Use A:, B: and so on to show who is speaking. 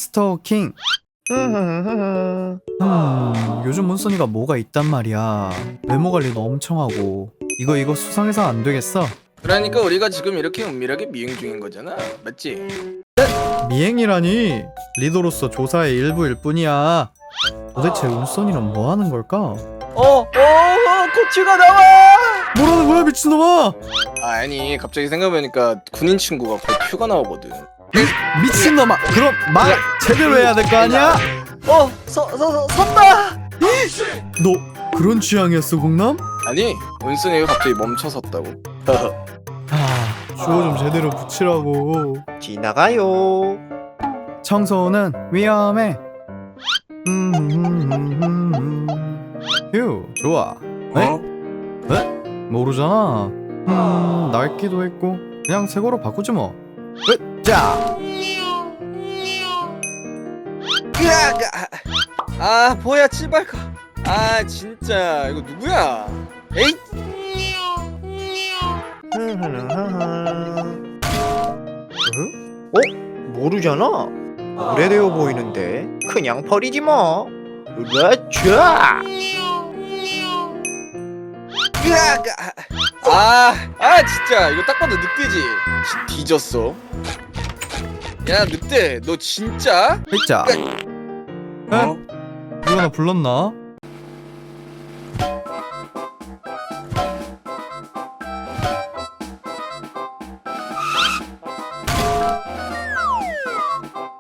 A: 스토킹. 요즘 문선이가 뭐가 있단 말이야. 외모 관리도 엄청 하고. 이거 수상해서 안 되겠어.
B: 그러니까 우리가 지금 이렇게 은밀하게 미행 중인 거잖아, 맞지?
A: 미행이라니. 리더로서 조사의 일부일 뿐이야. 도대체 운선이는 뭐 하는 걸까?
B: 코치가 나와!
A: 뭐라는 거야 미친놈아!
B: 아니, 갑자기 생각해보니까 군인 친구가 곧 휴가 나오거든.
A: 미친놈아! 그럼 말 제대로 해야 될 거 아니야?
B: 선다!
A: 너 그런 취향이었어 공남?
B: 아니, 운순이가 갑자기 멈춰 섰다고.
A: 주어 좀 제대로 붙이라고.
C: 지나가요.
A: 청소는 위험해. 휴 좋아. 네? 네? 모르잖아. 낡기도 했고 그냥 새 거로 바꾸지 뭐. 자.
B: 뭐야, 치발가. 진짜 이거 누구야? 에잇!
C: 모르잖아. 오래되어 보이는데 그냥 버리지 뭐. 으라차.
B: 진짜 이거 딱 봐도 늑대지. 뒤졌어. 야, 늑대, 너 진짜?
A: 자. 누가 나 불렀나?